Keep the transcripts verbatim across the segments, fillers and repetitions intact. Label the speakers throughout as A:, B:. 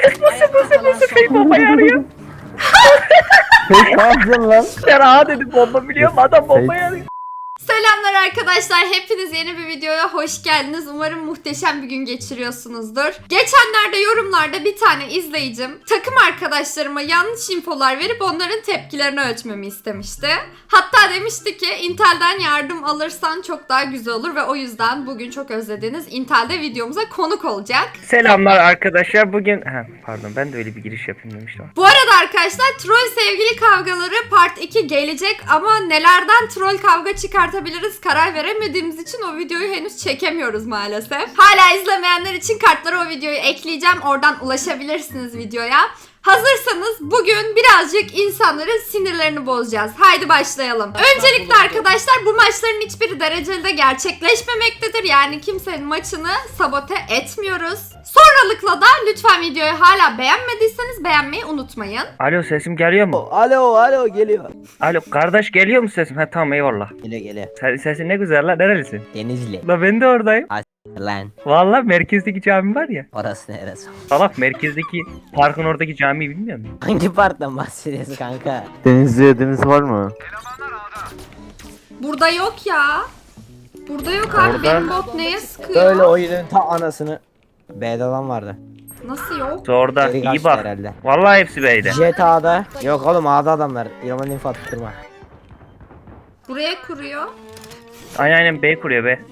A: Nasıl nasıl nasıl fake bombayı arıyor?
B: Fake ne yapacaksın lan?
A: Ben ağa dedim bomba biliyorum adam bombayı arıyor.
C: Selamlar arkadaşlar. Hepiniz yeni bir videoya hoş geldiniz. Umarım muhteşem bir gün geçiriyorsunuzdur. Geçenlerde yorumlarda bir tane izleyicim takım arkadaşlarıma yanlış infolar verip onların tepkilerini ölçmemi istemişti. Hatta demişti ki Intel'den yardım alırsan çok daha güzel olur ve o yüzden bugün çok özlediğiniz Intel'de videomuza konuk olacak.
A: Selamlar arkadaşlar bugün... Ha, pardon ben de öyle bir giriş yapayım demiştim.
C: Bu arada arkadaşlar troll sevgili kavgaları part iki gelecek ama nelerden troll kavga çıkartabiliriz karar veremediğimiz için o videoyu henüz çekemiyoruz maalesef. Hala izlemeyenler için kartlara o videoyu ekleyeceğim. Oradan ulaşabilirsiniz videoya. Hazırsanız bugün birazcık insanların sinirlerini bozacağız. Haydi başlayalım. Öncelikle arkadaşlar bu maçların hiçbiri dereceli de gerçekleşmemektedir. Yani kimsenin maçını sabote etmiyoruz. Sonralıkla da lütfen videoyu hala beğenmediyseniz beğenmeyi unutmayın.
A: Alo sesim geliyor mu?
B: Alo alo geliyor.
A: Alo kardeş geliyor mu sesim? Ha tamam eyvallah.
B: Geliyor geliyor.
A: Sen, sesin ne güzel lan nerelisin?
B: Denizli.
A: La ben de oradayım.
B: Lan
A: Vallahi merkezdeki cami var ya.
B: orası neresi?
A: Salak merkezdeki parkın oradaki camiyi bilmiyor musun?
B: Hangi parttan bahsediyorsun kanka?
D: Denizli'ye deniz var mı?
C: Burada yok ya. Burada yok abi.
A: Orada-
C: Benim bot neye sıkıyor?
E: Böyle oyunun ta anasını. B'de adam vardı.
C: Nasıl yok?
A: Orada
E: Geri
A: iyi
E: kaçtı
A: bak.
E: herhalde.
A: Vallahi hepsi beyde.
E: Jet A'da. Yok oğlum A'da adamlar. İlman info attırma.
C: Buraya kuruyor.
A: Aynen aynen B kuruyor be.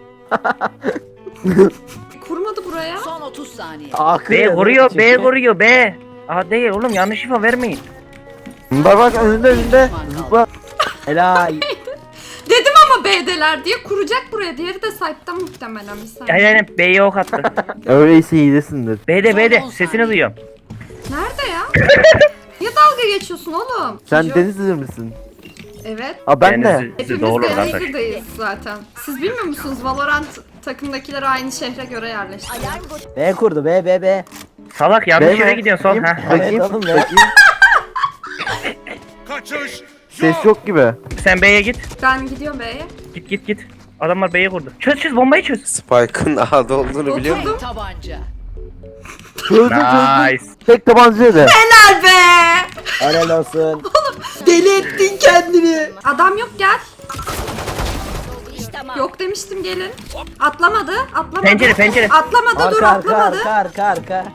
C: Kurmadı buraya.
F: Son otuz saniye.
E: A
A: B
E: kırıyor,
A: kuruyor B
E: çünkü.
A: kuruyor B. Aa değil oğlum yanlış info vermeyin.
D: Bak bak önünde önünde. Zıpla.
E: Helal.
C: Dedim ama B'deler diye kuracak buraya. Diğeri de site'da muhtemelen bir saniye.
A: Aynen aynen B'ye ok attı.
D: Öyleyse hilesindir.
A: B'de B'de
F: on
A: sesini
F: saniye.
A: duyuyorum.
C: Nerede ya? Niye dalga geçiyorsun oğlum?
D: Sen
C: Yok.
D: Denizli misin?
C: Evet.
D: Aa ben de.
A: Denizli-
C: Hepimiz
A: Doğru kardeş.
C: Denizli'deyiz zaten. Siz bilmiyor musunuz? Valorant takımdakiler aynı şehre göre yerleşti.
E: B kurdu B B B.
A: Salak yanlış
D: Değil mi?
A: yere gidiyorsun son.
D: Bakayım.
A: Ha.
E: Evet
D: Bakayım.
E: oğlum be.
D: Bakayım. Ses yok gibi.
A: Sen B'ye git.
C: Ben gidiyorum B'ye.
A: Git git git. Adamlar B'ye kurdu. Çöz çöz bombayı çöz.
G: Spike'ın A'da olduğunu biliyor musun?
C: Oturdum.
F: Tabanca.
D: Çözdüm çözdüm.
A: Nice.
D: Tek tabancayla de.
C: Helal be!
E: Helal olsun.
C: Deli ettin kendini. Adam yok gel. Yok demiştim gelin. Atlamadı. Atlamadı.
A: Pencere, pencere.
C: Atlamadı dur
E: Arka arka
C: atlamadı.
E: arka arka arka.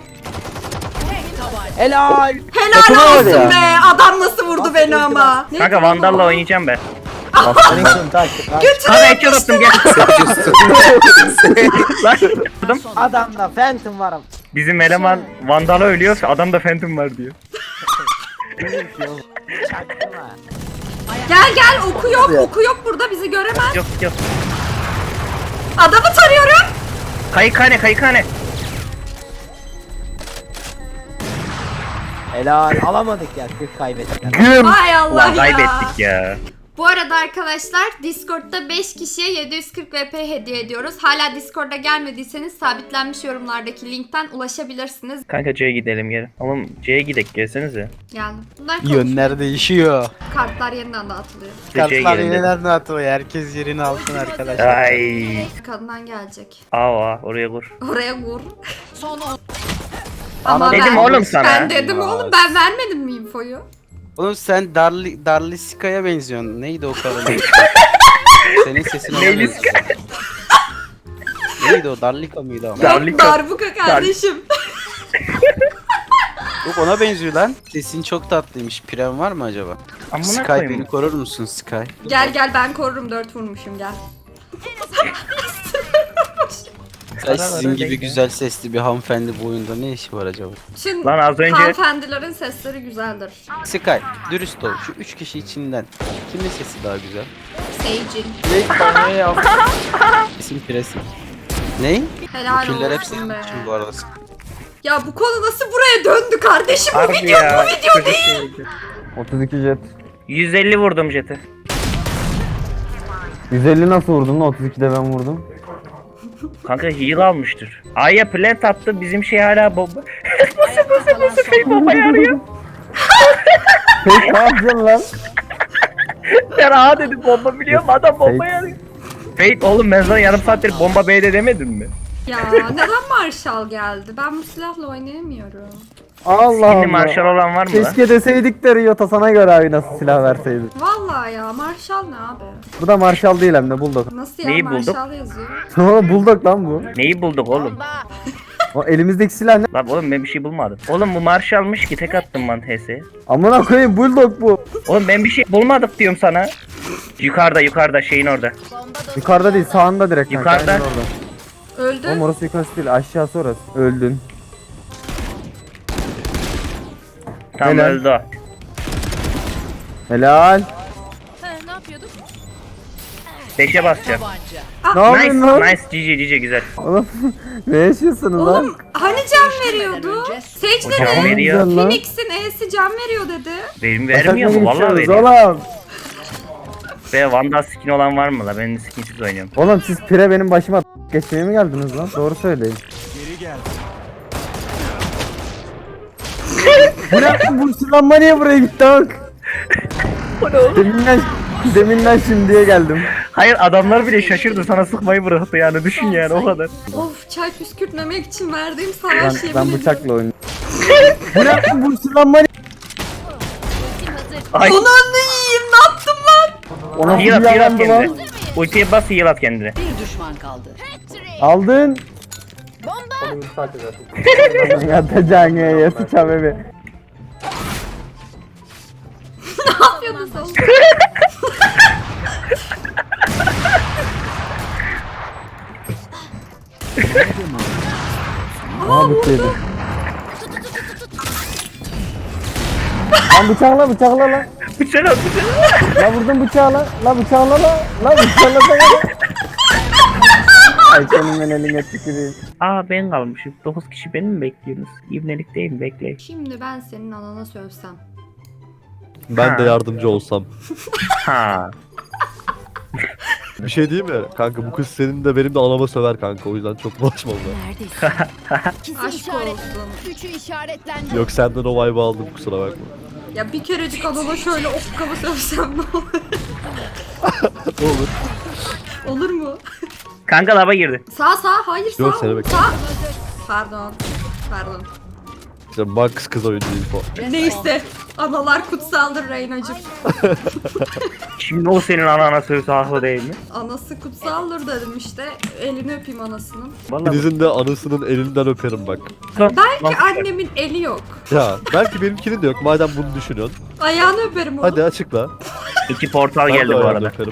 E: Helal.
C: Helal
D: Atına var
C: olsun
D: ya.
C: be. Adam nasıl vurdu beni ama. Neydi
A: Kanka
C: lan
A: Vandal'la
C: o?
A: oynayacağım ben.
E: Nixon tak. tak.
A: Kanka headshot attım gel. Lan. Adam-
E: Adamda Phantom varım.
A: Bizim eleman Vandal'a ölüyor. Adamda Phantom var diyor.
E: Çaktırma.
C: Gel gel oku yok oku yok burada bizi göremez.
A: Yok yok.
C: Adamı tarıyorum.
A: Kayıkhane kayıkhane.
E: Helal. Alamadık ya. Kırk kaybettik.
D: Güm.
C: Ay Allah
A: Ulan
C: ya.
A: kaybettik ya.
C: Bu arada arkadaşlar Discord'da beş kişiye yedi yüz kırk V P hediye ediyoruz. Hala Discord'a gelmediyseniz sabitlenmiş yorumlardaki linkten ulaşabilirsiniz.
A: Kanka C'ye gidelim geri. Oğlum C'ye gidek gelsenize.
C: Geldim. Bunlar konuşuyor.
H: Yönler değişiyor.
C: Kartlar yeniden dağıtılıyor.
A: Siz de C'ye
H: Kartlar
A: gelin dedim.
H: yeniden atıyor. Herkes yerini alsın arkadaşlar.
A: Ay.
C: Kadından gelecek.
A: Aa oraya kur.
C: Oraya vur.
F: Son on.
C: Ama
A: Dedim
C: ben,
A: oğlum sana.
C: Ben dedim oğlum ben vermedim mi infoyu?
H: Oğlum sen Darli, Darlisika'ya benziyorsun. Neydi o kadın? Senin sesin ona
A: Neyliska?
H: benziyor. Neydi o? Darlika mıydı o?
A: Darlika.
C: Yok darbuka kardeşim.
H: Yok ona benziyor lan. Sesin çok tatlıymış. Pren var mı acaba?
A: Amına
H: Sky
A: koyayım.
H: beni korur musun Sky?
C: Gel gel ben korurum dört vurmuşum gel.
H: Sky sizin gibi güzel sesli bir hanımefendi bu oyunda ne işi var acaba?
C: Şimdi
A: Lan az önce-
C: hanımefendilerin sesleri güzeldir.
H: Sky dürüst ol. Şu üç kişi içinden kimin sesi daha güzel?
C: Seyircin.
H: Ne bana yap? Sesim presim. Ney?
C: Helal
H: Küller hep
C: olsun
H: senin
C: be.
H: için bu arada.
C: Ya bu konu nasıl buraya döndü kardeşim? Bu
A: Harbi
C: video
A: ya,
C: bu video
A: çocuk
C: değil.
A: şeydi.
D: otuz iki jet.
A: yüz elli vurdum jeti.
D: yüz elli nasıl vurdun lan? otuz ikide ben vurdum.
A: Kanka heal almıştır. A'ya plant attı bizim şey hala bomba. nasıl nasıl nasıl fake bombayı arıyor?
D: Fake ne yapacaksın lan?
A: Ben A dedim bomba biliyorum adam bombayı arıyor. Fake oğlum ben sana yarım saattir bomba B'de demedim mi?
C: Ya neden Marshall geldi? Ben bu silahla oynayamıyorum.
D: Allah
A: Şimdi
D: Allah.
A: marşal olan var mı lan?
D: Keşke deseydik de Ryota sana göre abi nasıl silah verseydik.
C: Vallahi ya Marshall ne abi?
D: Bu da Marshall değil hem de Bulldog.
C: Nasıl ya
A: Neyi bulduk?
C: Marshall yazıyor?
D: Oğlum Bulldog lan bu.
A: Neyi bulduk oğlum?
D: O elimizdeki silah ne?
A: Lan oğlum ben bir şey bulmadım. Oğlum bu marşalmış ki tek attım ben T S'ye.
D: Amına koyayım Bulldog bu.
A: Oğlum ben bir şey bulmadık diyorum sana. Yukarıda yukarıda şeyin orada.
D: Yukarıda değil sağında direkt kanka.
A: Yukarıda.
D: Aynen orada.
C: Öldü.
D: Oğlum orası yukarısı değil aşağısı orası. Öldün.
A: Tam
D: Helal.
A: öldü o.
D: Helal.
F: Ne yapıyorduk?
A: Beşe basacağım.
D: Ne
A: Nice
D: yapıyorsun lan?
A: nice cici cici güzel.
D: Oğlum ne yaşıyorsunuz lan?
C: Oğlum hani can veriyordu? Sage
A: O can
C: dedi.
A: veriyor.
D: Güzel lan.
C: Phoenix'in E'si can veriyor dedi.
A: Benim vermiyor mu? Vallahi
D: geçiyoruz
A: veriyor.
D: Oğlum.
A: Ve Vandal skin olan var mı la? Ben de skinsiz oynuyorum.
D: Oğlum siz pire benim başıma geçmeye mi geldiniz lan? Doğru söyleyin. Bu ne? Bu sırlanma niye buraya gitti bak? Deminden, deminden şimdiye geldim.
A: Hayır adamlar bile şaşırdı sana sıkmayı bıraktı yani düşün yani o kadar.
C: Of çay püskürtmemek için verdiğim
D: Ben,
C: savaş yemin
D: ben
C: ediyorum.
D: bıçakla oynuyorum. Bu ne? Bu sırlanma niye?
A: Ay
C: Ananı yiyeyim ne yaptım lan?
D: Ona
A: heal at heal at
D: yalandı lan.
A: kendine. Ultiye bas heal at kendine.
F: Bir düşman kaldı.
D: Aldın. Yatacağın ya sıçam evi.
C: Ne yapıyordun sen?
D: Aha bittiydi. Lan bıçakla bıçakla lan.
A: Bıçak at bıçak.
D: La vurdum bıçağı lan. La bıçakla lan. La bıçakla sana lan. Ay senin ben eline tüküreyim.
A: Aa ben kalmışım. dokuz kişi beni mi bekliyorsunuz? İbnelik değil mi? Bekleyin.
C: Şimdi ben senin anana sövsem.
I: Ben
A: Ha.
I: de yardımcı olsam.
A: Ha.
I: Bir şey diyeyim mi? Kanka bu kız senin de benim de anama söver kanka. O yüzden çok bulaşma ona.
F: Neredesin?
C: Aşk olsun.
F: Üçü işaretlendi.
I: Yok senden o vibe'ı aldım kusura bakma.
C: Ya bir kerecik anana şöyle okkabı sövsem ne olur?
I: Olur.
C: Olur mu?
A: Kanka lava girdi.
C: Sağ sağ hayır sağ.
I: Yok, seni bekliyorum.
C: Sağ. Pardon. Pardon.
I: İşte Max kız oyuncu info.
C: Neyse. Analar kutsaldır Reyna'cığım.
A: Şimdi o senin anana sövse haklı değil mi?
C: Anası kutsaldır dedim işte. Elini öpeyim anasının.
I: Hani
A: Vallahi
I: Deniz'in de anasının elinden öperim bak.
C: Belki annemin eli yok.
I: Ya belki benimkinin de yok madem bunu düşünüyorsun.
C: Ayağını öperim onu.
I: Hadi açıkla.
A: İki portal
I: Ben de
A: geldi bu
I: ayağını
A: arada.
I: öperim.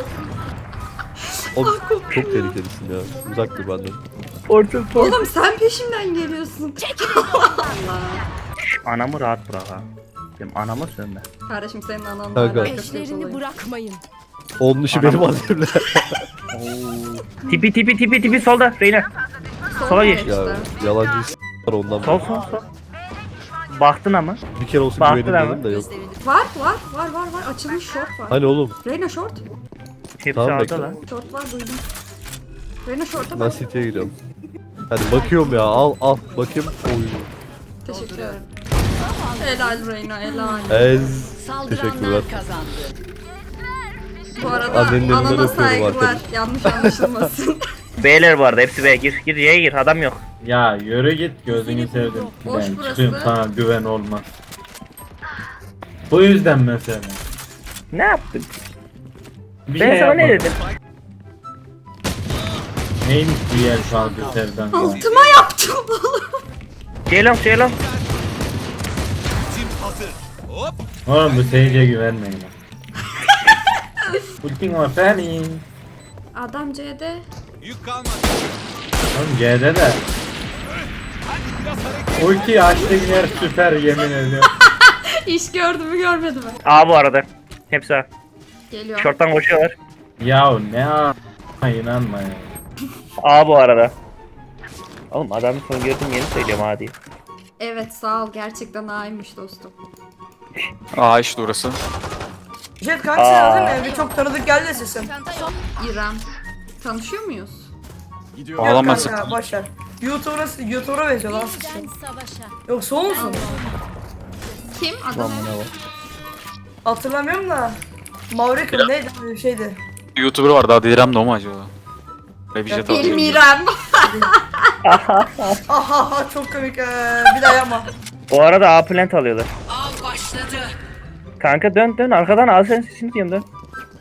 I: O çok tehlikelisin ya. Uzak dur benden.
A: Portal portal.
C: Oğlum sen peşimden geliyorsun.
A: Anamı rahat bırak ha. Benim anama sövme.
C: Kardeşim senin ananla
I: Kanka.
C: alakası yok
F: Eşlerini
C: olayın.
F: bırakmayın.
I: Onun işi benim annemle.
A: Tipi tipi tipi tipi solda Reyna. Sola geç.
C: işte.
I: Ya yalancı s*** var ondan.
A: Sol sol sol. Baktın ama.
I: Bir kere olsun
A: Baktın
I: güvenim
A: ama.
I: dedim de yok.
C: Var var var var var. Açılmış short var.
I: Hani oğlum
C: Reyna short.
A: Hepsi
I: Tamam,
A: orada
I: bekle.
A: lan.
C: Short var duydum. Reyna short'a
I: ben
C: bak.
I: City'ye gidiyorum. Hadi bakıyorum ya al al bakayım. Oy.
C: Teşekkür ederim. Helal Reyna helal.
I: Ez.
F: Saldıranlar
I: Teşekkürler.
F: kazandı.
C: Bu arada
I: Annenin elinden
C: anana
I: öpüyorum
C: saygılar.
I: arkadaş.
C: Yanlış anlaşılmasın.
A: B'ler bu arada hepsi B. Gir gir Y'ye gir adam yok.
J: Ya yürü git gözünü sevdim.
C: Boş
J: Ben
C: burası.
J: çıkıyorum sana güven olmaz. Bu yüzden mesela.
A: Ne yaptın?
J: Bir
A: Ben
J: şey
A: sana ne
J: yapmadım.
A: dedim?
J: Neymiş bu yer kaldı sevdan ya.
C: Altıma yaptım oğlum.
A: Ceylon Ceylon.
J: Oğlum bu seyirciye güvenmeyin lan. Ultin var senin.
C: Adam C'de.
J: Oğlum C'de de. Ulti açtı yer süper yemin ediyorum.
C: İş gördü mü görmedi mi?
A: A bu arada. Hepsi A.
C: Geliyor.
A: Short'tan koşuyorlar.
J: Ya ne a**, inanma ya.
A: A bu arada. Oğlum adamı son gördüm yeni söylüyorum A diye.
C: Evet sağ ol gerçekten A'ymış dostum.
K: Aa işte orası.
L: Jet kanka sen aldın mı? Bir çok tanıdık geldi sesin.
C: İrem. Tanışıyor muyuz?
K: Ağlamazsın.
L: Yok kanka boşver. YouTuber'a YouTuber'a benziyor lan sesin. Yok soğuk musun?
C: Kim? Adam.
L: Hatırlamıyorum da. Mavrika neydi bir şeydi.
K: YouTuber var daha delirem de o mu acaba? Böyle bir jet aldım.
C: Bilmiyorum.
L: Aha çok komik. Ee, bir daha yapma.
A: Bu arada A plant alıyorlar. Kanka dön dön arkadan al sen sesini diyorum dön.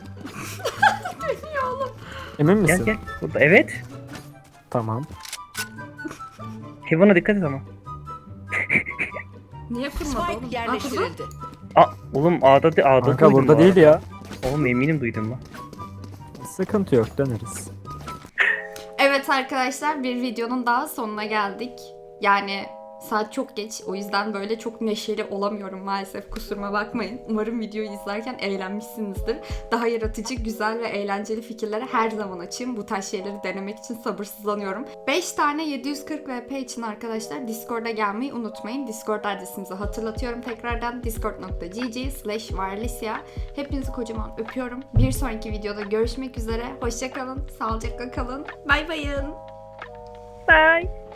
D: Emin
A: Gel
D: misin?
A: gel. Burada evet.
D: Tamam.
A: Heaven'a dikkat et ama.
C: Niye kurmadı oğlum?
F: Spike
C: Ha, kurdu.
F: yerleştirildi.
A: Aa oğlum A'da de, A'da
D: Kanka
A: duydum
D: burada
A: bu
D: değil
A: arada.
D: ya.
A: Oğlum eminim duydum lan.
D: Sıkıntı yok döneriz.
C: Evet arkadaşlar bir videonun daha sonuna geldik. Yani saat çok geç. O yüzden böyle çok neşeli olamıyorum maalesef. Kusuruma bakmayın. Umarım videoyu izlerken eğlenmişsinizdir. Daha yaratıcı, güzel ve eğlenceli fikirlere her zaman açığım. Bu tarz şeyleri denemek için sabırsızlanıyorum. beş tane yedi yüz kırk V P için arkadaşlar Discord'a gelmeyi unutmayın. Discord adresimizi hatırlatıyorum tekrardan. discord nokta gg slash wirelessya. Hepinizi kocaman öpüyorum. Bir sonraki videoda görüşmek üzere. Hoşça kalın, sağlıcakla kalın. Bay bayın.
A: Bye.